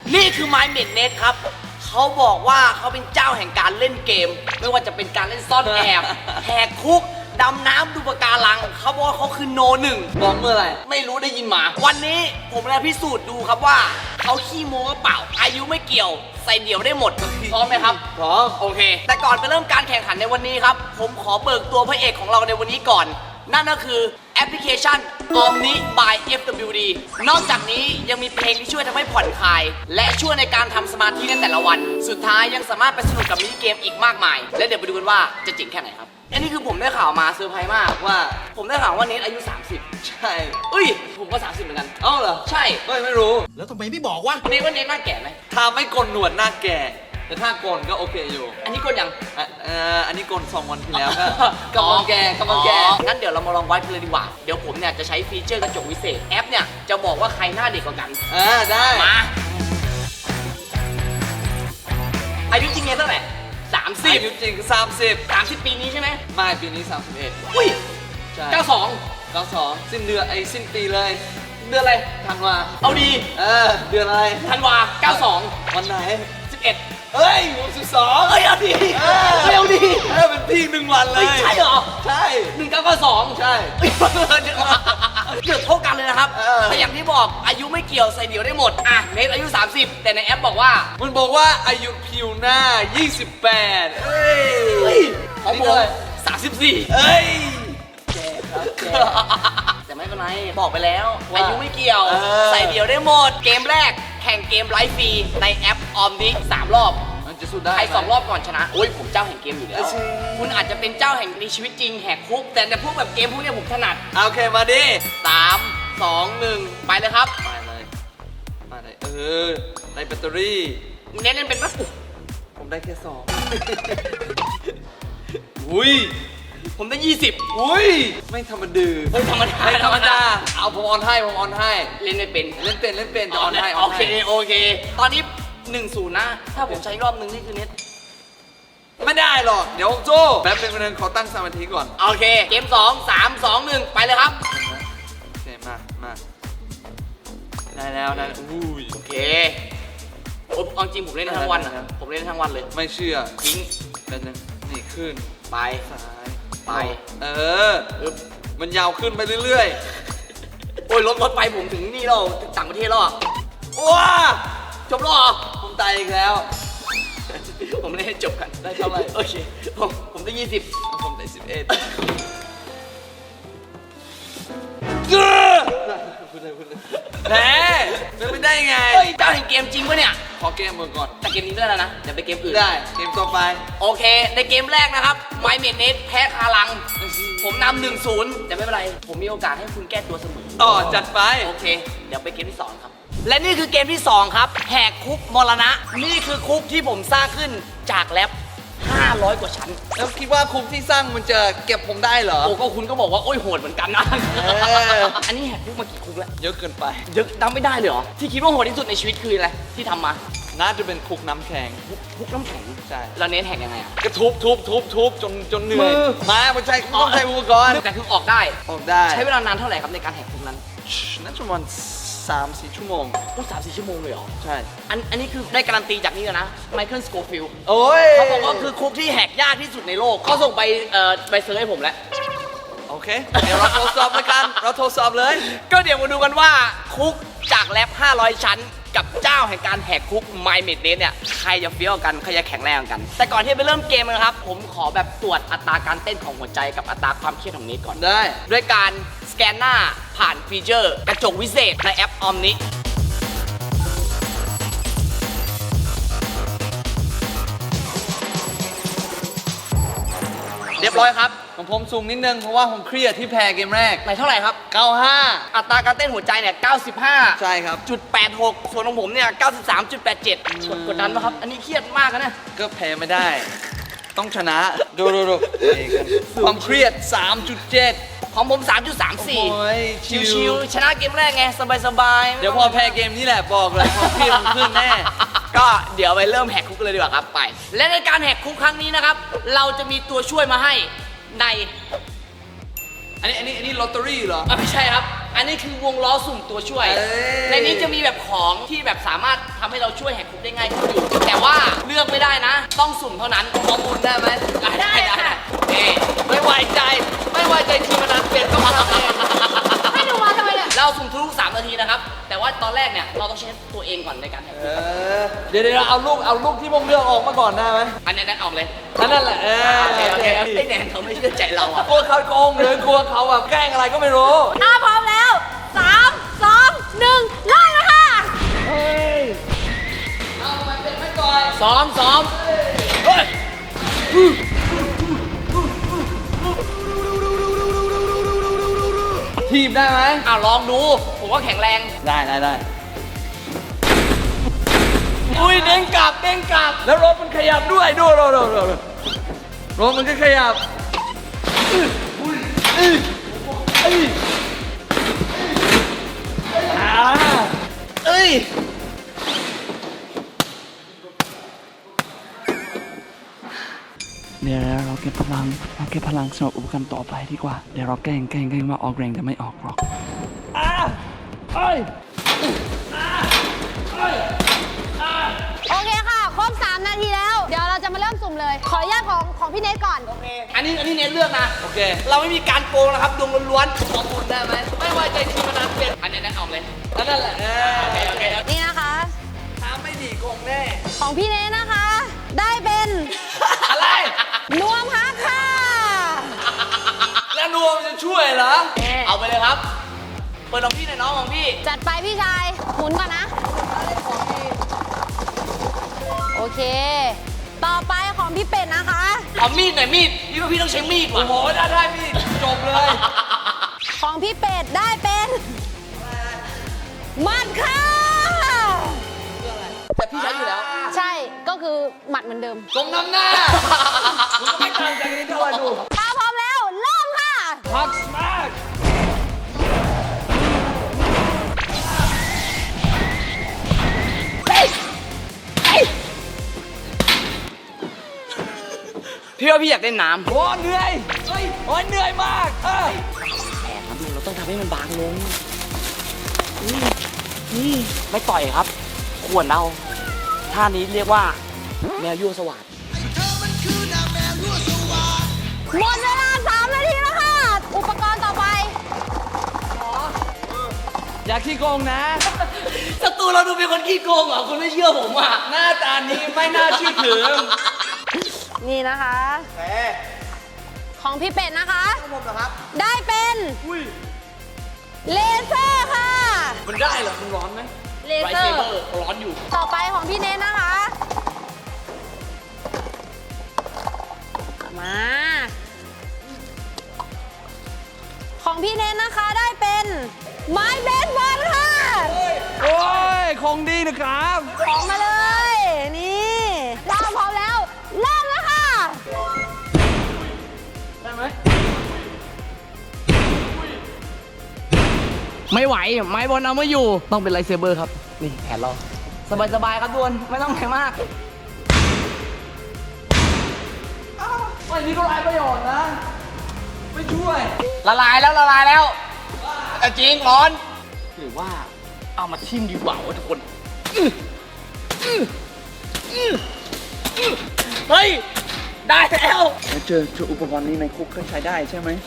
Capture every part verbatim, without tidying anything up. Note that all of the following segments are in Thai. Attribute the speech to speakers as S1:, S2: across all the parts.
S1: นี่คือ My m a d e Net ครับเขาบอกว่าเขาเป็นเจ้าแห่งการเล่นเกมไม่ว่าจะเป็นการเล่นซ่อนแอบแหกคุกดำน้ำดูปะการังเขาบอกว่าเขาคือโนหนึ่ง
S2: บอกเมื่อไหร่
S1: ไม่รู้ได้ยินมา วันนี้ผมจะพิสูจน์ดูครับว่าเขาขี้โม้หรือเปล่าอายุไม่เกี่ยวใส่เดี่ยวได้หมดพร้อมไหมครับ
S2: พร้อม
S1: โอเค แต่ก่อนไปเริ่มการแข่งขันในวันนี้ครับผมขอเบิกตัวพระเอกของเราในวันนี้ก่อนนั่นก็คือแอปพลิเคชัน Omni by เอฟ ดับเบิลยู ดี นอกจากนี้ยังมีเพลงที่ช่วยทำให้ผ่อนคลายและช่วยในการทำสมาธิในแต่ละวัน สุดท้ายยังสามารถไปสนุกกับมินิเกมอีกมากมาย และเดี๋ยวไปดูกันว่าจะเจ๋งแค่ไหนครับ อันนี้คือผมได้ข่าวมาเซอร์ไพรส์มากว่าผมได้ข่าวว่าเนทอายุ สามสิบ
S2: ใช่
S1: เอ้ยผมก็ สามสิบ เหมือนกัน
S2: เอ้าเหรอ
S1: ใช่
S2: เฮ้ยไม่รู้
S3: แล้วทำไมไม่บอกวะ
S1: เนทว่าเนทหน้าแก่ไหม
S2: ถ้าไม่โกนหนวดหน้าแก่ แต่ถ้าโกนก็โอเคอยู่
S1: อันนี้กดยัง
S2: อ่ะเอ่ออันนี้โกนสองวันที่แล้วก็กำลังแก่กำลังแก่
S1: อ๋องั้นเดี๋ยวเรามาลองวัดกันเลยดีกว่า เดี๋ยวผมเนี่ยจะใช้ฟีเจอร์กระจกวิเศษแอปเนี่ยจะบอกว่าใครหน้าเด็กกว่ากัน
S2: อ่าได้
S1: มา อายุจริงเนี่ยเท่าไหร่สามสิบ
S2: อายุจริงสามสิบ
S1: สามสิบปีนี้ใช่ไหม
S2: ไม่ปีนี้สามสิบเอ็ด
S1: อุ้ย
S2: ใช่
S1: เก้าสอง
S2: เก้าสองสิ้นเดือนไอ้สิ้นปีเลย
S1: เดือนอะไร
S2: ธันวา
S1: เอาดี
S2: เออเดือนอะไร
S1: ธันวาเก้าสอง
S2: วันไหน
S1: สิบเอ็ด
S2: เฮ้ยวันสิบสอง
S1: เอ้ยเอาดี
S2: เออ
S1: เอ้ยเอาดี
S2: เออเป็นพี่หนึ่งวันเล
S1: เฮ้ย
S2: ย
S1: ใช่เหรอ
S2: ใช่
S1: หนึ่งเก้าเก้าสอง
S2: ใช่
S1: เกือบเท่ากันเลยนะครับ
S2: เออ
S1: แต่อย่างที่บอกอายุไม่เกี่ยวใส่เดี่ยวได้หมด อ่ะเนทอายุ สามสิบ แต่ในแอปบอกว่า
S2: มันบอกว่าอายุผิวหน้า ยี่สิบแปดเฮ้ย
S1: เฮ้ยของผม
S2: นี่เลย
S1: สามสิบสี่
S2: เอ้ย
S1: แต่ไม่เป็นไร บอกไปแล้ว
S2: ว่า
S1: อายุไม่เกี่ยว
S2: เออ
S1: ใส่เดี่ยวได้หมด เกมแรก แข่งเกมไลฟ์ฟรีในแอปออมดิสามรอบ
S2: มันจะสู้ได้
S1: ใคร
S2: ไหม
S1: สองรอบก่อนชนะ โอ้ยผมเจ้าแห่งเกมอยู่แล้ว
S2: เออใช่
S1: คุณอาจจะเป็นเจ้าแห่งในชีวิตจริงแหกคุก แต่ในพวกแบบเกมพวกเนี้ยผมถนัด
S2: โอเคมาดิ
S1: สามสองหนึ่งไปเลยครับ
S2: มาเลยมาเลยเออในแบตเตอรี่
S1: เน้นเล่นเป็นปะ
S2: ผมได้แค่สองอุ้ย
S1: ผมได้ยี่สิบ
S2: อุ้ยไม่ธรรมดา
S1: เฮ้ยธรรมดา
S2: ไม่ธรรมดา
S1: ธรรมดา
S2: เอาผมออนให้ผมออนให้
S1: เล่นไม่เป็น
S2: เล่นเป็นเล่นเป็นจะออนให้อ
S1: โอ
S2: อน
S1: เค
S2: ให้
S1: โอเค ตอนนี้หนึ่งศูนย์นะ ถ้าผมใช้รอบนึงนี่คือเน็ต
S2: ไม่ได้หรอกเดี๋ยวโจ้แป๊บนึงแป๊บนึงขอตั้งสมาธิก่อน
S1: โอเค เกมสองสามสองหนึ่งไปเลยครับ
S2: โอเคมามาได้แล้วได้แล้วอุ้ย
S1: โอเคผมเอาจริงผมเล่นทั้งวันอะ
S2: ได้แล้ว
S1: ผมเล่นทั้งวันเลย
S2: ไม่เชื่อ
S1: ทิ้ง
S2: แป๊บนึงนี่ขึ้น
S1: ไป
S2: ซ้าย
S1: ไป
S2: เออ มันยาวขึ้นไปเรื่อย
S1: โอ้ยรถรถไปผมถึงนี่แล้วถึงต่างประเทศแล้วอะ
S2: ๆว้า
S1: จบแล้วเหรอ
S2: ผมตายอีกแล้ว
S1: ผมเล่นให้จบกัน
S2: ได้เท่าไหร่
S1: โอเค ผมผมได้ยี่สิบ
S2: ผมได้สิบเอ็ดพูดเลยพูดเลยแหมเป็นไม่ได้ไง
S1: เฮ้ยเจ้าแห่งเกมจริงปะเนี่ย
S2: ขอเกมมือก่อน
S1: แต่เกมนี้ไม่ได้แล้วนะ เดี๋ยวไปเกมอื่น
S2: ได้ เกมต่อไป
S1: โอเค ในเกมแรกนะครับ My m a d e Net แพ้คารัง ผมนำหนึ่งศูนย์แต่ไม่เป็นไร ผมมีโอกาสให้คุณแก้ตัวเสมอ
S2: ต่อจัดไป
S1: โอเค เดี๋ยวไปเกมที่สองครับ และนี่คือเกมที่สองครับ แหกคุกมรณะ นี่คือคุกที่ผมสร้างขึ้นจากแล็บห้าร้อยกว่าชั้น
S2: แล้วคิดว่าคุกที่สร้างมันจะเก็บผมได้เหรอ
S1: โอ้ก็คุณก็บอกว่าโอ้ยโหดเหมือนกันนะ
S2: เออ
S1: อันนี้แหกคุกมากี่คุกแล้ว
S2: เยอะเกินไป
S1: เยอะจำไม่ได้เลยเหรอ ที่คิดว่าโหดที่สุดในชีวิตคืออะไรที่ทำมา
S2: น่าจะเป็นคุกน้ำแข็ง
S1: คุกคุกน้ำแข็ง
S2: ใช่
S1: แล้วเน้นแหกยังไงอะ
S2: ก็ทุบทุบทุบทุบจนจนเหนื่อย
S1: มือ
S2: มามันใช้ต้องใช้อุปกรณ์
S1: แต่คือออกได้
S2: ออกได้
S1: ใช้เวลานานเท่าไหร่ครับในการแหกคุกนั้น
S2: น่าจะประมาณสามสี่ชั่วโมง
S1: โอ้สามสี่ชั่วโมงเลยเหรอ
S2: ใช่
S1: อันอันนี้คือได้การันตีจากนี่เลยนะไมเคิลสโกฟิล
S2: โอ้ย
S1: เขาบอกว่าคือคุกที่แหกยากที่สุดในโลกเขาส่งไปเอ่อไปเซิร์ชให้ผมแล้ว
S2: โอเค เดี๋ยวเราทดสอบแล้วกัน เราทดสอบเลย
S1: ก็เดี๋ยวมาดูกันว่าคุกจากแล็บห้าร้อยชั้น กับเจ้าแห่งการแหกคุก My m a d e Net เนี่ยใครจะเฟี้ยวกันใครจะแข็งแรงกัน แต่ก่อนที่จะไปเริ่มเกมนะครับ ผมขอแบบตรวจอัตราการเต้นของหัวใจกับอัตราความเครียดของเนทก่อน
S2: ได้
S1: ด้วยการสแกนหน้าผ่านฟีเจอร์กระจกวิเศษในแอป Omni เรียบร้อยครับ
S2: ของผมสูงนิดนึงเพราะว่าผมเครียดที่แพ้เกมแรก
S1: ไหนเท่าไหร่ครับ
S2: เก้าห้า
S1: อัตราการเต้นหัวใจเนี่ย เก้าสิบห้า
S2: ใช่ครับ
S1: จุดแปดหก ส่วนของผมเนี่ย เก้าสิบสามจุดแปดเจ็ด กดกดดันไหมครับ อันนี้เครียดมากนะเนี่ย
S2: ก็แพ้ไม่ได้ ต้องชนะ ดูดูดูนี่กันความเครียด สามจุดเจ็ด
S1: ของผม สามจุดสามสี่
S2: โอ้ยชิว
S1: ชิวๆชนะเกมแรกไง สบายๆ
S2: เดี๋ยวพอแพ้เกมนี้แหละบอกเลยความเครียดมันขึ้นแน่
S1: ก็เดี๋ยวไปเริ่มแหกคุกกันเลยดีกว่าครับไป และในการแหกคุกครั้งนี้นะครับ เราจะมีตัวช่วยมาให้ใน
S2: อันนี้อันนี้อันนี้ลอตเตอรี่เหรอ
S1: อ่ะไม่ใช่ครับอันนี้คือวงล้อสุ่มตัวช่วย
S2: เอ้ย
S1: ในนี้จะมีแบบของที่แบบสามารถทำให้เราช่วยแหกคุกได้ง่ายขึ้นอยู่ แต่ว่าเลือกไม่ได้นะ ต้องสุ่มเท่านั้นข้อมูลได้ไหมได้ได้ได้เอ้ไม่ไว้ใจ ไม่ไว้ใจทีมงานเปลี่ยนก็มาเอง
S3: ให้หนูมาทำไมเนี่ย
S1: เราสุ่มทุกๆสามนาทีนะครับ แต่ว่าตอนแรกเนี่ยเราต้องใช้ตัวเองก่อนในการแหก
S2: เอ
S1: คุก
S2: อเดี๋ยวเดี๋ยวเอาลูกเอาลูกที่ผมเลือกออกมาก่อนได้ไหม
S1: อันนี้นั่นออกเลย
S2: อันนั่นแหละเออ
S1: โอเคโอเคไอ้แนนเขาไม่เชื่อใจเราอ่ะ
S2: กลัวเขาโกงหรือกลัวเขาแบบแกล้งอะไรก็ไม่รู้
S3: อ่ะพร้อมแล้วสามสองหนึ่งเริ่มแล้วค่ะ
S2: เอามันเป็นไม่ก่อน
S1: ซ้อมซ้อมเฮ้ย
S2: ทีบได้ไหม
S1: อ่ะลองดู ผมว่าแข็งแรง
S2: ได้ได้ได้
S1: อุ้ยเด้งกลับเด้งกลับ
S2: แล้วรถมันขยับด้วยดูดูดูดูดูรถมันก็ขยับอื้ออุ้ยอื้ออื้ออ่าเอ้ยเดี๋ยวเราเก็บพลังเราเก็บพลังสำหรับอุปกรณ์ต่อไปดีกว่าเดี๋ยวเราแกล้งแกล้งแกล้งมาออกแรงแต่ไม่ออกหรอกอ่าเอ้ย
S3: โอเคค่ะครบสามนาทีแล้ว เดี๋ยวเราจะมาเริ่มสุ่มเลย ขออนุญาตของของพี่เนทก่อน
S1: อันนี้อันนี้เน้นเลือกนะ
S2: โอเค
S1: เราไม่มีการโกงนะครับดวงล้วนๆข้อมูลได้ไหมไม่ไว้ใจทีมงานเปลี่ยนอันนี้นั่นออกเลย
S2: แล้วนั่นแหละเออ
S1: โอเคโอเค
S3: นี่นะคะ
S2: ถ้าไม่ดีโกงแน่
S3: ของพี่เนทนะคะ ได้เป็น
S2: อะไร
S3: นวมฮักค่ะ
S2: แล้วนวมจะช่วยเหรอ
S1: เอาไปเลยครับ เปิดของพี่หน่อยน้องของพี่
S3: จัดไปพี่ชายหมุนก่อนนะ โอเค ต่อไปของพี่เป็ดนะคะ
S1: เอามีดหน่อยมีดพี่ว่าพี่ต้องใช้มีด
S2: โอ้
S1: ว่ะ
S2: โหได้ได้พี่จบเลย
S3: ของพี่เป็ดได้เป็นหมัดค่ะ
S1: แต่พี่ใช้อยู่แล้ว
S3: ใช่ ก็คือหมัดเหมือนเดิม
S2: สมน้ำหน้ามึงก็ไม่ต่างจากนี้ด้วยดู
S3: ถ้าพร้อมแล้ว เริ่มค่ะ
S2: พักมาก
S1: พี่ว่าพี่อยากเล่นน้ำ
S2: โอ้เหนื่อยเฮ้ยโอ้ยเหนื่อยมากเออ
S1: แอบครับดูเราต้องทำให้มันบางลงนี่นี่ไม่ต่อยครับ ขวนเอาท่านี้เรียกว่าแมวยั่วสวัสด
S3: หมดเวลาสามนาทีแล้วค่ะ อุปกรณ์ต่อไป
S2: อย่าขี้โกงนะ
S1: ศัตรูเราดูเป็นคนขี้โกงเหรอคุณไม่เชื่อผมอ่ะ
S2: หน้าตานี้ไม่น่าเชื่อถือ
S3: นี่นะคะ
S2: แหม
S3: ของพี่เป็ดนะคะ
S2: ผมเหรอครับ
S3: ได้เป็น
S2: อุ้ย
S3: เลเซอร์ค่ะ
S2: มันได้เหรอมันร้อนไหม
S3: เล
S1: ไร
S3: เซอ
S1: เซ
S3: ร์
S1: เบอร์ร้อนอยู่
S3: ต่อไปของพี่เน้นนะคะ มา ของพี่เน้นนะคะได้เป็นไม้เบสบอลค่ะ
S2: โอ้ยของดีนะครับ
S3: ของมาเลย นี่ถ้าพร้อมแล้ว เริ่มแล้วค่ะ
S2: ได้ไหม
S1: ไม่ไหว ไม้บอลเอาไม่อยู่ ต้องเป็นไรเซเบอร์ครับ นี่แผนเรา สบายๆครับดวนไม่ต้องแรงมาก
S2: วันนี้ก็ไร้ประโยชน์นะ ไม่ช่วย
S1: ละลายแล้วละลายแล้วแต่จริงร้อน หรือว่าเอามาทิ่มดีกว่าวะทุกคนอื้ออื้ออื้ออื้อเฮ้ย ได้แล้ว
S2: แล้วเจอเจออุปกรณ์นี้ในคุกก็ใช้ได้ใช่ไหม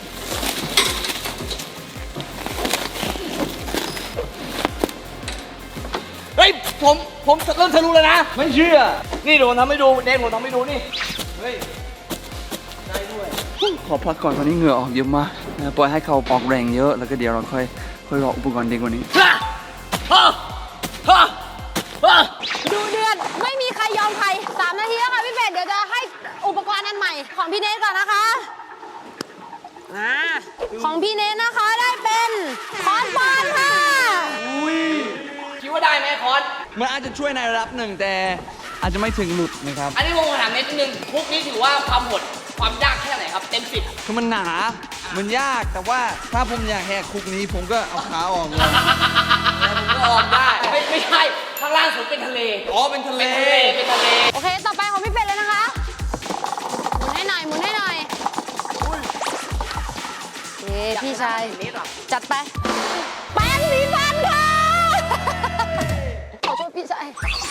S1: เฮ้ย ผมผมเริ่มทะลุแล้วนะ
S2: ไม่เชื่อ
S1: นี่เดี๋ยวผมทำให้ดูเดนผมทำให้ดูนี่
S2: เฮ้ย ได้ด้วย ขอพักก่อนตอนนี้เหงื่อออกเยอะมากนะปล่อยให้เขาออกแรงเยอะ แล้วก็เดี๋ยวเราค่อยค่อยรออุปกรณ์เด็กกว่านี้
S1: ฮ่าฮ่าฮ่าฮ่า
S3: ดูเดือดไม่มีใครยอมใครสามนาทีแล้วค่ะพี่เป็ด เดี๋ยวจะให้อุปกรณ์อันใหม่ ของพี่เนทก่อนนะคะอ่าของพี่เนทนะคะได้เป็นคอนบอลค่ะ
S2: อุ้ย
S1: คิดว่าได้ไหมคอน
S2: มันอาจจะช่วยในระดับหนึ่งแต่อาจจะไม่ถึงหลุดนะครับ
S1: อันนี้ผมถามนิดนึงคุกนี้ถือว่าความโหดความยากแค่ไหนครับ เต็มสิบ
S2: คือมันหนา มันยาก แต่ว่าถ้าผมอยากแหกคุกนี้ผมก็เอาขาออกเลย
S1: ผมก็ออมได้ ไม่ไม่ใช่ ข้างล่างสุดเป็นทะเล
S2: อ๋อ เป็นทะเล
S1: เป็นทะเล
S3: โอเค ต่อไปของพี่เป็ดเลยนะคะ หมุนให้หน่อย หมุนให้หน่อยโอเคพี่ชาย
S1: นิดหรอ
S3: จัดไปสีฟันค่ะ ขอโทษพี่ชาย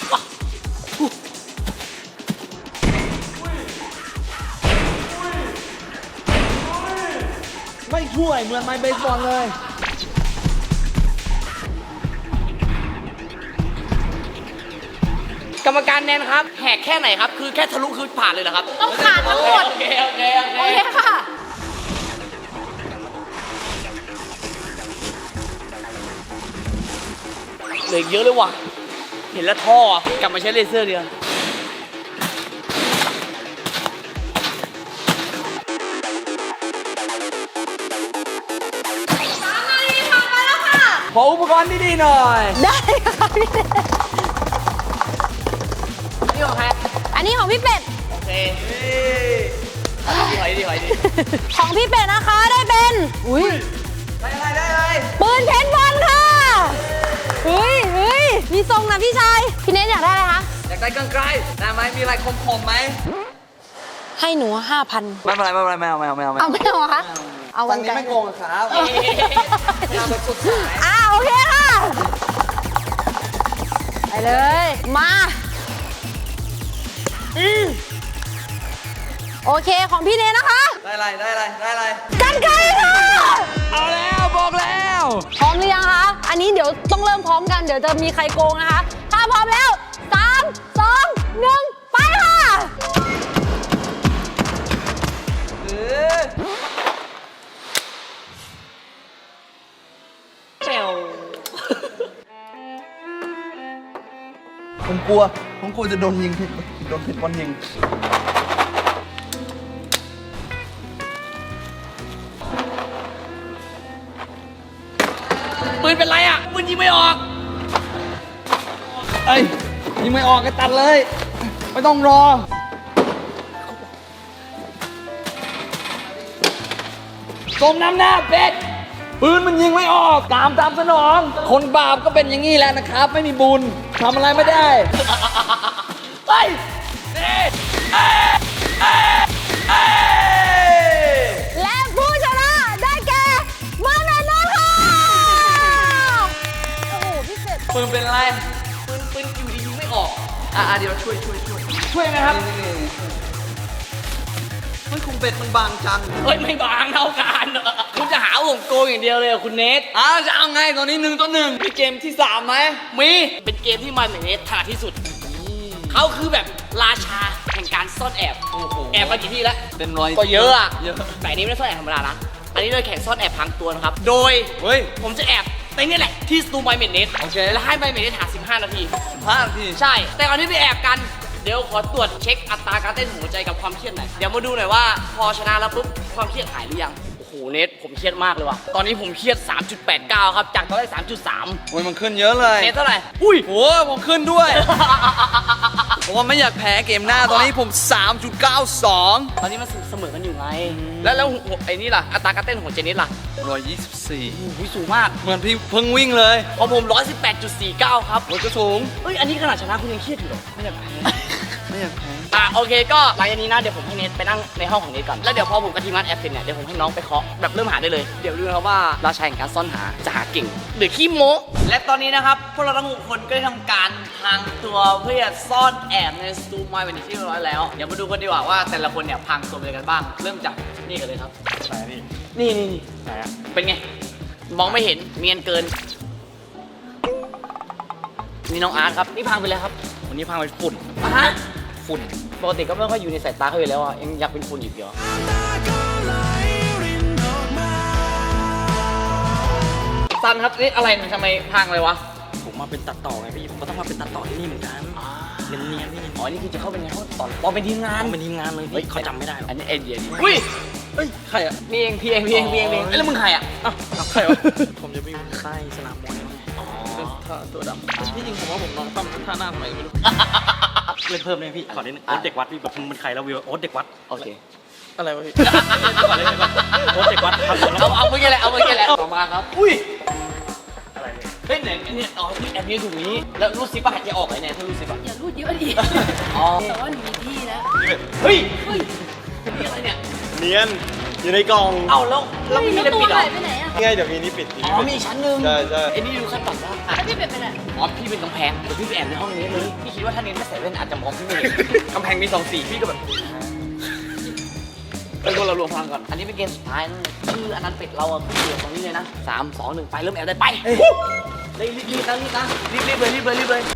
S2: ไม่ช่วยเหมือนไม้เบสบอลเลย
S1: กรรมการแนนครับแหกแค่ไหนครับคือแค่ทะลุคือผ่านเลยเหรอครับ
S3: ต้องขาดทั้งหมด
S1: โอเคโอเคโอเค
S3: โอเคค่ะ
S1: เหลืออีกเยอะเลยว่ะเห็นแล้วท่อกลับมาใช้เลเซอร์เดียว
S2: ขออุปกรณ์ดีๆหน่อย
S3: ได้ค่ะพี่เนท
S1: นี่ของใคร
S3: อันนี้ของพี่เป็ด
S1: โอเคดีหอยดีหอยดี
S3: ของพี่เป็ดนะคะได้เป็น อุ้ย
S2: ได้อะไรได้อะไร
S3: ปืนเพชรบอลค่ะเฮ้ยเฮ้ยมีทรงนะพี่ชาย พี่เนทอยากได้อะไรคะ
S2: อยากได้กางไกลได้ไหมมีอะไรคมๆไหม
S3: ให้หนูห้าพัน
S2: ไม่เป็นไรไม่เป็นไรไม่เอาไม่เอาไม่เอา
S3: เอาไม่เอาเหรอคะ เอา
S2: วั
S3: วัน น
S2: นี้
S3: ไกล
S2: ไม่โกงครับ
S1: เอ๊ะ
S2: เอาไปสุดสาย
S3: อ่าโอเคค่ะ ไปเลย มา อืมโอเคของพี่เนทนะคะ
S2: ได้อะไรได้อะไรได้อะไร
S3: กันไกลค่ะ
S2: เอาแล้วบอกแล้ว
S3: พร้อมหรือยังคะ อันนี้เดี๋ยวต้องเริ่มพร้อมกัน เดี๋ยวจะมีใครโกงนะคะ ถ้าพร้อมแล้วสามสองหนึ่งไปค่ะ
S2: เออ
S1: แซว
S2: ผมกลัวผมกลัวจะโดนยิงผิดโดนผิดบอลยิง
S1: ปืนเป็นไรอ่ะปืนยิงไม่ออก
S2: เอ้ยยิงไม่ออกก็ตัดเลย ไม่ต้องรอสมน้ำหน้าเป็ดปืนมันยิงไม่ออกตามตามสนอง คนบาปก็เป็นอย่างนี้แหละนะครับ ไม่มีบุญทำอะไรไม่ได้
S1: ไปนี่เอ้ยเอ้ยเอ้ย
S3: และผู้ชนะได้แก่เมืองแมนนท์ค่ะ โอ้โหพี่เป็ด
S2: ปืนเป็นอะไร
S1: ปืนปืนอยู่ดียิงไม่ออก
S2: อ่ะเดี๋ยวช่วยช่วยช่วย
S1: ช่วยไหมครับ
S2: ไม่คงเป็ดมันบางจัง
S1: เฮ้ยไม่บางเท่ากันคุณจะหาผมโกงอย่างเดียวเลยอะคุณเนท
S2: อ้าวจะเอาไงตอนนี้หนึ่งต่อหนึ่งมีเกมที่สามไหม
S1: มีเป็นเกมที่มันอย่างเนทถนัดที่สุดเขาคือแบบราชาแห่งการซ่อนแอบ
S2: โอ้โห
S1: แอบมากี่ที่แล้ว
S2: เป็นร้อย
S1: ก็เยอะอะ
S2: เยอะ
S1: แต่อันนี้ไม่ได้ซ่อนแอบธรรมดานะ อันนี้เราแข่งซ่อนแอบพังตัวนะครับ โดย
S2: เฮ้ย
S1: ผมจะแอบในนี่แหละที่สตูไบเมนเนส
S2: โอเค
S1: แล้วให้ไบเมนเนสหาสิบห้านาที
S2: พลาดที
S1: ใช่ แต่ก่อนที่ไปแอบกัน เดี๋ยวขอตรวจเช็คอัตราการเต้นหัวใจกับความเครียดหน่อย เดี๋ยวมาดูหน่อยว่าพอชนะแล้วปุ๊บความเครียดหายหรือยัง โอ้โหเนทผมเครียดมากเลยว่ะ ตอนนี้ผมเครียด สามจุดแปดเก้า ครับ จากตอนแรก สามจุดสาม
S2: โอ้ยมันขึ้นเยอะเลย
S1: เนทเท่าไหร่ อุ้ย
S2: โอ้ผมขึ้นด้วย ผมว่าไม่อยากแพ้เกมหน้าตอนนี้ผม สามจุดเก้าสอง
S1: ตอนนี้มันเสมอกันอยู่ไง แล้วแล้วหัวไอ้นี่ล่ะ อัตราการเต้นของเจนิสล่ะ
S2: ร้อยยี่สิบสี่
S1: โอ้โหสูงมาก
S2: เหมือนพี่เพิ่งวิ่งเลย
S1: ของผม หนึ่งร้อยสิบแปดจุดสี่เก้า ครับ
S2: โอ้ยก็สูง
S1: เอ้ย อันนี้ขนาดชนะคุณยังเครียดอยู่เหรอ ไม่อยากแพ้
S2: ไม่อยากแพ้
S1: อ่ะโอเคก็หลังจากนี้นะเดี๋ยวผมให้เนทไปนั่งในห้องของเนทก่อนแล้วเดี๋ยวพอผมกับทีมงานแอปเสร็จเนี่ยเดี๋ยวผมให้น้องไปเคาะแบบเริ่มหาได้เลยเดี๋ยวดูนะครับว่าราชาแห่งการซ่อนหาจะหาเก่งหรือขี้โม้และตอนนี้นะครับพวกเราทั้งหกคนก็ได้ทำการพรางตัวเพื่อซ่อนแอบในสตูมายเป็นที่เรียบร้อยแล้วเดี๋ยวมาดูกันดีกว่าว่าแต่ละคนเนี่ยพรางตัวเป็นอะไรกันบ้างเริ่มจากนี่กันเลยครับ
S2: ใช่พี่
S1: นี่นี่นี่
S2: ไหนอะ
S1: เป็นไงมองไม่เห็นเนียนเกินนี่น้องอาร์ตครับนี่พรางไปเลยครับ
S2: วันนี้พาไปฝุ่น
S1: อ่ะฮะ
S2: ฝุ่น
S1: ปกติก็ไม่ค่อยอยู่ในสายตาเขาอยู่แล้วอ่ะยังอยากเป็นฝุ่นอยู่เดียวซันครับนี่อะไรมันทำไมพังเลยวะ
S4: ผมมาเป็นตัดต่อไงพี่ ผมก็ต้องมาเป็นตัดต่อที่นี่เหมือนกันเนียนๆพี่
S1: อ๋อนี่คือจะเข้าเป็นไงเขาตอนปอเป็นทีมงาน
S4: ต้องเป็นทีมงานเลยพี่เขาจำไม่ได้หรอก
S1: อันนี้เอ็นเดียดีอุ้ย
S2: เฮ้ย ใครอะ
S1: พี่เองพี่เองพี่เองพี่เองพี่เองเอ้ยแล้วมึงใครอ่ะ
S2: อ้าวใครวะ
S4: ผมจะไปอยู่ใต้สนามมวยไง
S2: ท่าตัวดำที่จริงผมว่าผมนอนตั้มท่าหน้าทำไมไม่รู้
S4: เล่นเพิ่มเลยพี่ ขอเล่นโอ๊ตเด็กวัดพี่แบบมึงเป็นใครแล้ววิวโอ๊ตเด็กวัด
S1: โอเค
S2: อะไรวะพี่
S4: ก่อนเล่นก่อนโอ๊ตเด็กวัดครับ
S1: เอาเอาเมื่อกี้แหละเอาเมื่อกี้แหละต่อมาครับอุ้ย
S4: อะไรเนี่ย
S1: เฮ้ยไหนเนี่ยอ๋อพี่แอบยืนถูกนี้แล้วรูดซิปป่ะหายใจออกไหนเนี่ยถ้ารูดซิปป่ะ
S3: อย่ารูดเยอะดิ
S1: อ๋อ
S3: แต่ว่าหนูมีที่แล้ว
S1: เฮ้ยเฮ้ยนี่อะไรเนี่ย
S4: เนียนอยู่ในกล่อง
S1: เอ้าแล้วแล้วไม่มีอะไรปิดเหรอ
S3: ไปไหนอ่ะ
S5: ง่ายเดี๋ยวมีนี่ปิด
S1: อ๋อมีชั้นหนึ่ง
S5: ใช่ใช่
S1: ไอ้นี่ดูขั้นต่ำแล้วอ่ะ
S3: แล้วพี่เป็ดเป็นอะไร
S1: อ๋อพี่เป็นกำแพงเดี๋ยวพี่ไปแอบในห้องนี้เลยพี่คิดว่าถ้าเน้นไม่ใส่แว่นอาจจะมองพี่ไม่เห็น กำแพงมีสองสีพี่ก็แบบเป็นคนเรารวมพลังก่อน อันนี้เป็นเกมสุดท้ายนะชื่ออันนั้นเป็ดเราอะขึ้นเดียวตรงนี้เลยนะสามสองหนึ่งไปเริ่มแอบได้ไปรีบรีบรีบนะรีบนะรีบรีบเลยรีบเลยรีบเลย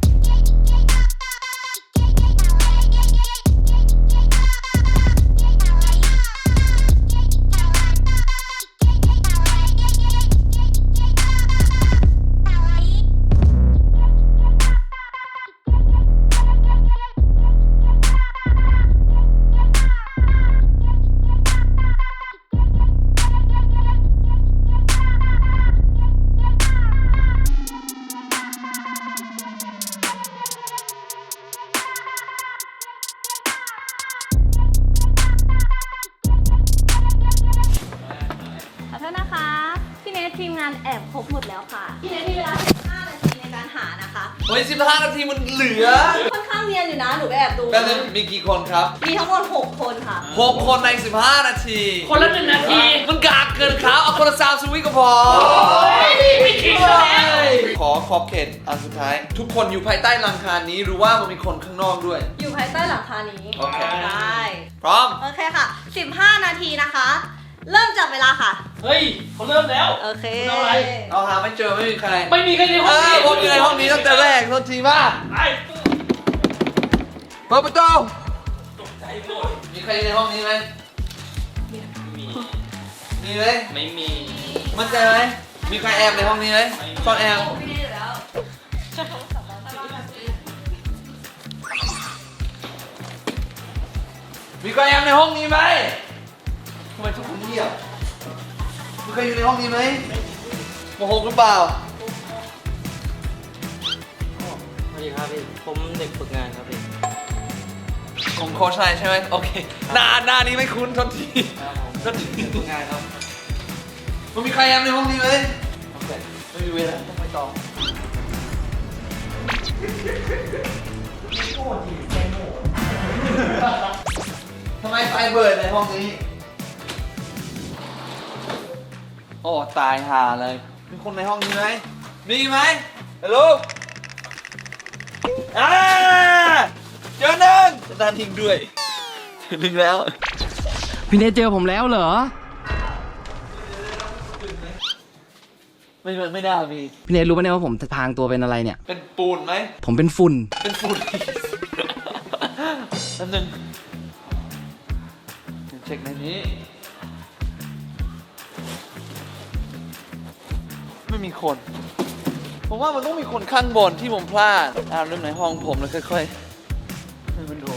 S6: ขอโทษนะคะ พี่เนททีมงานแอบครบหมดแล้วค่ะ พี่เนทมีเวลาสิบห้านาทีในการหานะคะ
S2: เฮ้ยสิบห้านาทีมันเหลือ
S6: ค่อนข้างเนียนอยู่นะ หนูไปแอบดู
S2: แป๊บนึงมีกี่คนครับ
S6: มีทั้งหมดหกคนค่ะ
S2: หกคนในสิบห้านาที
S1: คนละหนึ่งนาที
S2: มันกากเกินครับเอาคนละสามสวิตก็พอ
S1: ไม่คิดแล้ว
S2: ขอขอบเขตอันสุดท้าย ทุกคนอยู่ภายใต้หลังคานี้หรือว่ามันมีคนข้างนอกด้วย
S6: อยู่ภายใต้หลังคานี้
S2: โอเค
S6: ได้
S2: พร้อม
S6: โอเคค่ะ สิบห้านาทีนะคะ เริ่มจับเวลาค่ะ
S1: เฮ้ยเขาเริ่มแล้ว
S6: โอเค
S1: เอาอะไร
S2: เราหาไม่เจอไม่มีใคร
S1: ไม่มีใครในห้
S2: เอ
S1: อง
S2: อ
S1: นี้
S2: ผมอยู่ในห้องนี้ตั้งแต่แรกโทษทีมาก
S1: ไป
S2: เปิดประตูมีใครในห้องนี้ไหมมีไหม
S1: ไม่มี
S2: มั่นใจไหมมีใครแอบในห้องนี้ไหมซ่อนแอบ
S6: พี่เนทอยู่แล้ว
S2: มีใครแอบในห้องนี้ไหมทำไมทุกคนเงียบมีใครอยู่ในห้องนี้ไหมโมโหหรือเปล่า
S4: สวัสดีครับพี่ ผมเด็กฝึกงานครับพี่
S2: ของโค้ชนายใช่ไหมโอเคหน้าหน้านี้ไม่คุ้นโทษทีโทษที
S4: ฝึกงานครับ
S2: มันมีใครแอบในห้องนี้ไหมโอเคไม่มีเวลาต้องไปต่อทำไมไฟเบิร์ดในห้องนี้ โอ้ตายห่าเลย มีคนในห้องนี้ไหม มีไหมฮัลโหลอ่าเจอหนึ่งจะดันทิ้งด้วยเจอหนึ่งแล้ว
S1: พี่เนทเจอผมแล้วเหรอ
S2: ไม่ไม่น่ามี
S1: พี่เนทรู้ไหมเนี่ยว่าผมพรางตัวเป็นอะไรเนี่ย
S2: เป็นปูนไหม
S1: ผมเป็นฝุ่น
S2: เป็นฝุ่นนั่นหนึ่งเช็คในนี้ ไม่มีคน ผมว่ามันต้องมีคนข้างบนที่ผมพลาดอ่าเริ่มในห้องผมแล้วค่อยๆให้มันดู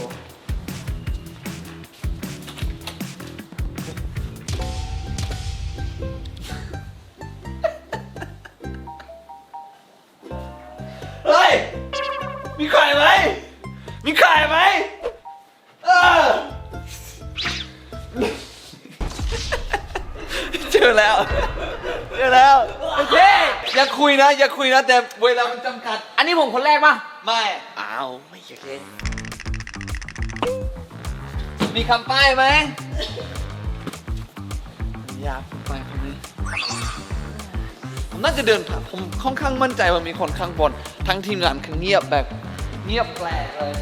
S2: เฮ้ย มีใครไหม มีใครไหมเออ เจอแล้ว เจอแล้ว โอเค อย่าคุยนะ อย่าคุยนะ แต่เวลามันจำกัด
S1: อันนี้ผมคนแรกป่ะ
S2: ไม่
S1: อ้าว ไม่โอเค
S2: มีคำป้ายไหมอยากไปคนนี้ ผมน่าจะเดินผ่านผมค่อนข้างมั่นใจว่ามีคนข้างบน ทั้งทีมงานคือเงียบแบบเงียบแปลกเลย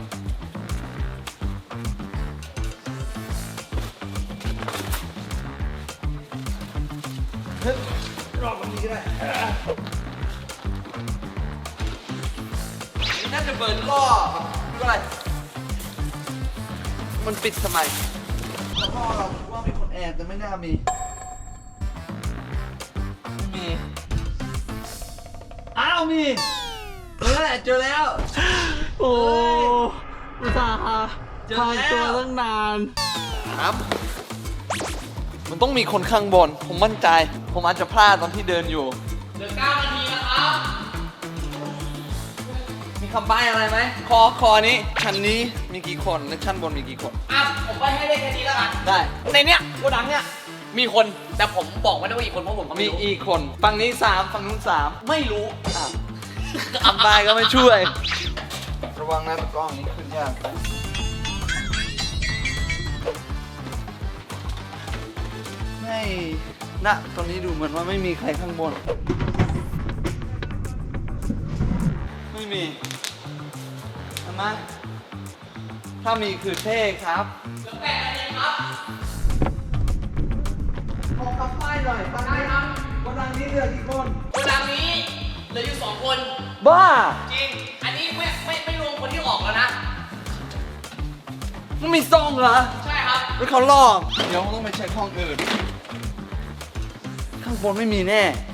S2: เฮ้ยรอบตรงนี้ก็ได้น่าจะเบิร์นรอบไม่เป็นไรมันปิดทำไมแล้วพ่อเราคิดว่ามีคนแอบแต่ไม่น่ามีไม่มี อ้าวมีเออเจอแล้ว
S1: โอ้อุตส่าห์
S2: เจอ
S1: พราง
S2: แล้ว
S1: ตัวตั้งนาน
S2: ครับ มันต้องมีคนข้างบน ผมมั่นใจ ผมอาจจะพลาดตอนที่เดินอยู่
S1: เหลือเก้านาทีนะครับ
S2: มีคำใบ้อะไรไหม คอ คอนี้ ชั้นนี้มีกี่คน และชั้นบนมีกี่คน
S1: อ่ะ ผมไปให้ได้แค่นี้แล้วกัน
S2: ได้
S1: ในเนี้ยโกดังเนี้ย มีคน แต่ผมบอกไม่ได้ว่าอีกคนเพราะผมก็
S2: มี
S1: ไม่รู้
S2: อีกคน ฝั่งนี้สามฝั่งนู้นสาม
S1: ไม่รู้
S2: อ่ะคำใบ้ก็ไม่ช่วย ระวังนะตะกล้องนี้ขึ้นยากไม่นะตอนนี้ดูเหมือนว่าไม่มีใครข้างบน ไม่มีเห็นไหมถ้ามีคือเท่ครับเหลือแปดนาทีครับขอคำป้ายหน่อยตั้งได้ครับวันดังนี้เหลือกี่คน
S1: โกดังนี้เหลืออยู่สองคน
S2: บ้า
S1: จริง อันนี้ไม่ไม่ไม่รวมคนที่ออกแล้วนะ
S2: มันมีซองเหรอ
S1: ใช่ครับ
S2: แล้วเขาลอก เดี๋ยวต้องไปเช็คห้องอื่น ข้างบนไม่มีแน่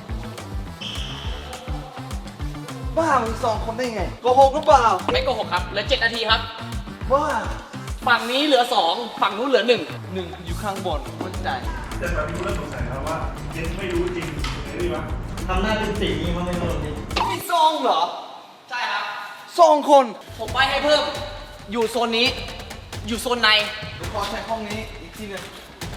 S2: บ้ามันสองคนได้ไงโกหกหรือเปล่า
S1: ไม่โกหกครับ เหลือเจ็ดนาทีครับ
S2: บ้า
S1: ฝั่งนี้เหลือสองฝั่งนู้นเหลือหนึ่ง
S2: หนึ่งอยู่ข้างบนมั่นใจ
S5: แต่ตอนนี้กูเริ่มสงสัยแล้วว่าเจนไม่รู้จริงหรือวะ
S4: ทำหน้าเป็นสีมันไม่รู้ดิ
S2: มีซองเหรอ
S1: ใช่ครับ
S2: ซองคน
S1: ผมไปให้เพิ่ม อยู่โซนนี้ อยู่โซนใน
S2: เดี๋ยวขอใช้ห้องนี้อีกทีหนึง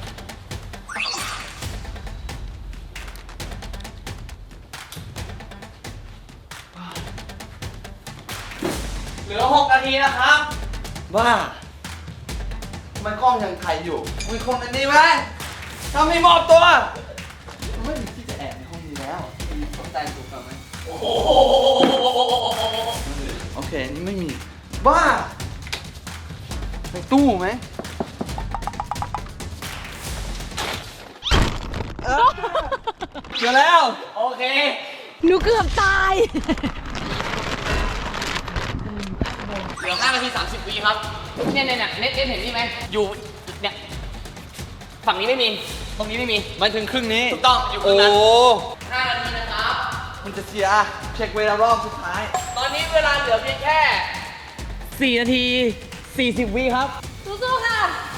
S1: เหลือหกนาทีนะครับ
S2: บ้าทำไมกล้องยังถ่ายอยู่ มีคนในนี้ไหมถ้าไม่มอบตัวไม่มีที่จะแอบในห้องนี้แล้วมีสนใจถูกกับไหม
S1: โอ้โห
S2: โอเค นี่ไม่มี บ้าในตู้ไหมเออเจอแล้ว
S1: โอเค
S3: หนูเกือบตาย
S1: เหลือห้านาทีสามสิบวิครับ เนี่ยเนี่ยเนี่ยเน็ตเน็ตเห็นนี่ไหม อยู่ เนี่ย ฝั่งนี้ไม่มี ตรงนี้ไม่มี
S2: มันถึงครึ่งนี้
S1: ถูกต้อง อยู่ค
S2: โอ้
S1: รึ่งนั้นห้านาทีนะครับ
S2: มันจะเสีย เช็คเวลารอบสุดท้าย
S1: ตอนนี้เวลาเหลือเพียงแค่สี่นาทีสี่สิบวิครับ
S3: สู้ๆค่ะ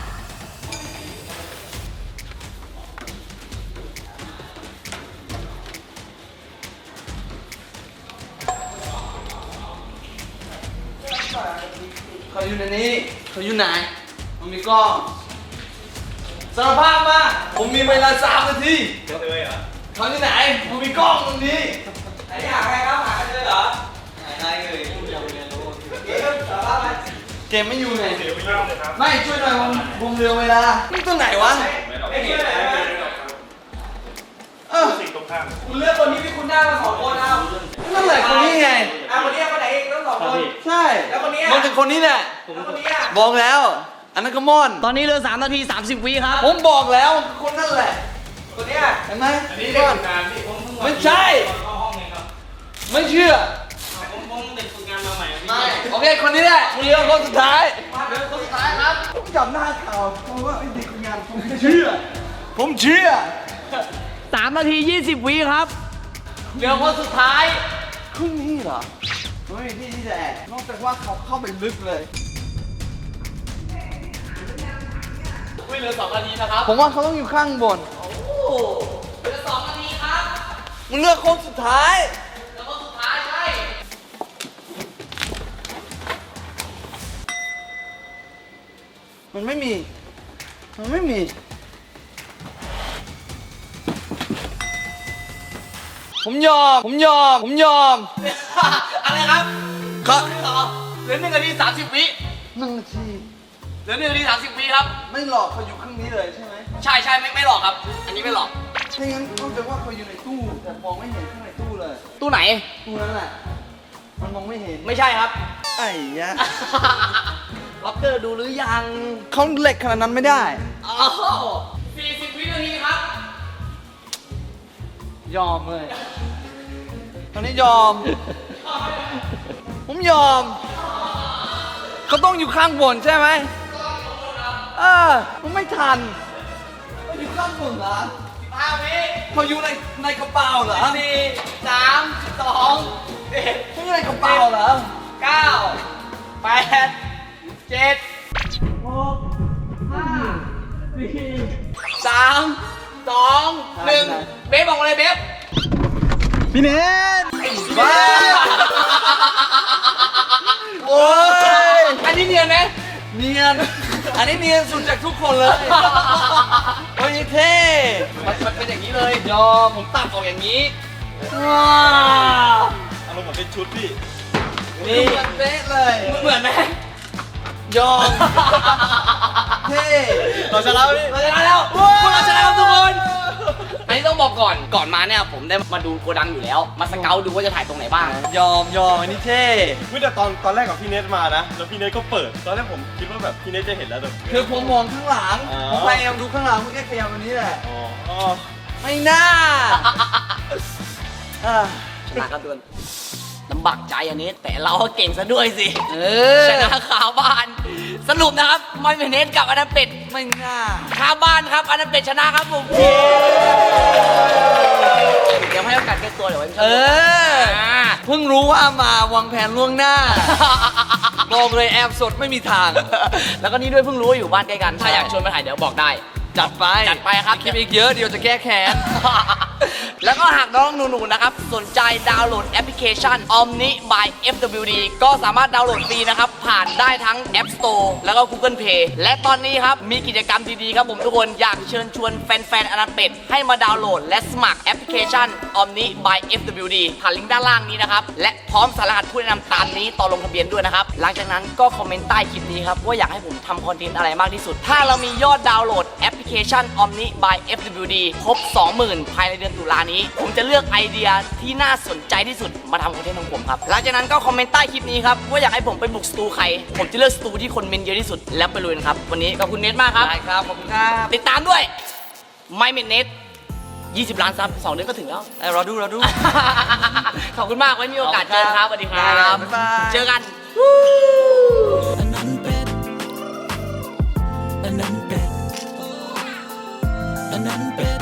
S2: เขาอยู่ในนี้ เขาอยู่ไหน มันมีกล้องสารภาพมา ผมมีเวลาสามนาที
S5: เลยเหรอ
S2: เขาอยู่ไหน มันมีกล้องตรงนี้ไหนอยากใครครับหากันเลยเหรอไหนไหนเลยเกมสารภาพไหมเกมไม่อยู่ไหน
S5: เดี๋ยวไม่เล่าเลยครับ
S2: ไม่ช่วยหน่อยผมผมเรือเวลา นี่ตัวไหนวะ
S5: ไม่ช่วยอะไรไม่หรอกครับ
S2: เออ
S5: สิ่งตรงข้าม
S1: คุณเลือกคนที่พี่คุณได้มาสองคนเอา
S2: นั่นแหละคนนี้ไง
S1: อ่ะคนนี้คนไหนเองต้องสองคน
S2: ใช่
S1: แล้วคนนี้อะ
S2: มันเป็นคนนี้แหละ
S1: แล้วคนนี้อ่ะ
S2: บอกแล้ว อันนั้นก็ม่อน
S1: ตอนนี้เหลือสามนาทีสามสิบวิครับ
S2: ผมบอกแล้วคนนั่นแหละ
S1: คนนี้
S2: เห็นไหม
S5: อันนี้
S2: นี่
S5: เด็ก
S2: ก่อน
S5: ฝึกงานพี่ผมเพิ่ง
S2: ไม่ใช่
S4: เข้าห้องเองครับ
S2: ไม่เชื่อ
S4: ผมผมเด็กฝึกงานมาใหม่พี่
S2: ไม่ โอเค คนนี้แหละเรือคนสุดท้าย
S1: เหลือคนสุดท้ายครับ
S2: ผมจับหน้าข่าวเพราะว่าไอ้เด็กงานผมไม่เชื่อ ผมเชื่อ
S1: สามนาทียี่สิบวิครับ เหลือคนสุดท้าย
S2: ครึ่งนี้เหรอไม่มีที่ที่จะแอบนอกจากว่าเขาเข้าไปลึกเลย
S1: ไม่เหลือสองนาทีนะครับ
S2: ผมว่าเขาต้องอยู่ข้างบน
S1: โอ้โหเหลือสองนาทีครับ
S2: มึงเลือกคนสุดท้าย
S1: เหลือคนสุดท้ายใช่
S2: มันไม่มี มันไม่มี ผมยอม ผมยอม ผมยอม
S1: อะไรครับ
S2: ครับ
S1: ต่อเหลือหนึ่งนาทีสามสิบวิ
S2: หนึ่งนาที
S1: เหลือหนึ่งนาทีสามสิบวิครับ
S2: ไม่หลอกเขาอยู่ครึ่งนี้เลยใช่ไหม
S1: ใช่ใช่ไม่ไม่หลอกครับ อันนี้ไม่หลอก
S2: ถ้างั้นก็แปลว่าเขาอยู่ในตู้ แต่มองไม่เห็นข้างในตู้เลย
S1: ตู้ไหน
S2: ตู้นั้นแหละ มันมองไม่เห็น
S1: ไม่ใช่ครับ
S2: ไอ้ยะ
S1: ล็อกเกอร์ดูหรือยัง
S2: เขาเหล็กขนาดนั้นไม่ได้
S1: อ๋อสี่สิบวินาทีครับ
S2: ยอมเลย ตอนนี้ยอม ผมยอม เขาต้องอยู่ข้างบนใช่ไหมเออมันไม่ทันเขาอยู่ข้างบนเหรอ
S1: ห้าวิ
S2: เขาอยู่ในในกระเป๋าเหรอ
S1: สี่สามสองเอ็ด
S2: เขาอยู่ในกระเป๋าเหรอ
S1: เก้าแปดเจ็ดหกห้าสี่สามสองหนึ่งเบฟบอกมาเลยเบฟ
S2: พี่เนทบ้า โอ้ย
S1: อันนี้เนียนไหม
S2: เนียน อันนี้เนียนสุดจากทุกคนเลยโอ้ยเท่
S1: มันมันเป็นอย่างนี้เลย
S2: ยอม
S1: ผมตัดออกอย่างนี้
S2: ว้าว
S5: อารมณ์เหมือนเป็นชุดพี่
S2: นี่เหมือนเป๊ะเลย
S1: เหมือนไหม
S2: ยอม เท่
S1: เราชนะแล้วพี่เราชนะแล้วพวกเราชนะครับทุกคนอันนี้ต้องบอกก่อนก่อนมาเนี่ยผมได้มาดูโกดังอยู่แล้ว มาสเกลดูว่าจะถ่ายตรงไหนบ้าง
S2: ยอมยอมอันนี้เท่
S5: เมื่อแต่ตอนตอนแรกกับพี่เนทมานะ แล้วพี่เนทก็เปิด ตอนแรกผมคิดว่าแบบพี่เนทจะเห็นแล้วแต่
S2: คือผมมองข้างหลัง
S5: อ๋อ
S2: ผมพยายามดูข้างหลังมันแค่ขยับวันนี้แหละ
S5: อ๋อ
S2: ไม่น่าอ่ะ
S1: ชนะครับทุกคนลำบากใจอันนี้แต่เราก็เก่งซะด้วยสิ
S2: เออ
S1: ชนะคาบ้าน สรุปนะครับไม่เป็นเนสกับอนันเป็ด
S2: ไม่น่า
S1: คาบ้านครับอนันเป็ดชนะครับผมเดี๋ยวให้โอกาสแก้ตัวเดี๋ยวไว้
S2: เออ เพิ่งรู้ว่ามาวางแผนล่วงหน้า บอกเลยแอบสดไม่มีทาง
S1: แล้วก็นี่ด้วยเพิ่งรู้ว่าอยู่บ้านใกล้กัน ถ้าอยากชวนมาถ่ายเดี๋ยวบอกได้
S2: จัดไป
S1: จัดไปครับ
S2: คลิปอีกเยอะเดี๋ยวจะแก้แค้น
S1: แล้วก็หากน้องหนูๆนะครับ สนใจดาวน์โหลดแอปพลิเคชัน Omni by เอฟ ดับเบิลยู ดี ก็สามารถดาวน์โหลดฟรีนะครับ ผ่านได้ทั้ง App Store แล้วก็ Google Play และตอนนี้ครับ มีกิจกรรมดีๆครับผมทุกคนอยากเชิญชวนแฟนๆอนันเป็ดให้มาดาวน์โหลดและสมัครแอปพลิเคชัน Omni by เอฟ ดับเบิลยู ดี ผ่านลิงก์ด้านล่างนี้นะครับและพร้อมสารหัสผู้แนะนำตามนี้ตอนลงทะเบียนด้วยนะครับหลังจากนั้นก็คอมเมนต์ใต้คลิปนี้ครับว่าอยากให้ผมทำคอนเทนต์อะไรมากที่สุดถ้าเรามียอดดาวน์โหลดแอปพลิเคชัน Omni by เอฟ ดับเบิลยู ดี ครบ สองหมื่น ภายในเดือนตุลานี้ ผมจะเลือกไอเดียที่น่าสนใจที่สุดมาทำคอนเทนต์ของผมครับ หลังจากนั้นก็คอมเมนต์ใต้คลิปนี้ครับว่าอยากให้ผมไปบุกสตูใคร ผมจะเลือกสตูที่คนเมนเยอะที่สุดแล้วไปลุยนะครับ วันนี้ขอบคุณเนทมากครับ
S2: ได้ครับ ขอบคุณครับ
S1: ติดตามด้วยไม่เมนเนทยี่สิบล้านซับสองเดือนก็ถึงแล้ว
S2: เอ้ยรอดูรอดู
S1: ขอบคุณมากไว้มีโอกาสเจอครับสวัสดีครั
S2: ได้ครับ
S1: บ
S2: บ๊ายบาย
S1: เจอกัน
S7: อันนั้นเป็ดอันนั้นเป็ดอันนั้นเป็ด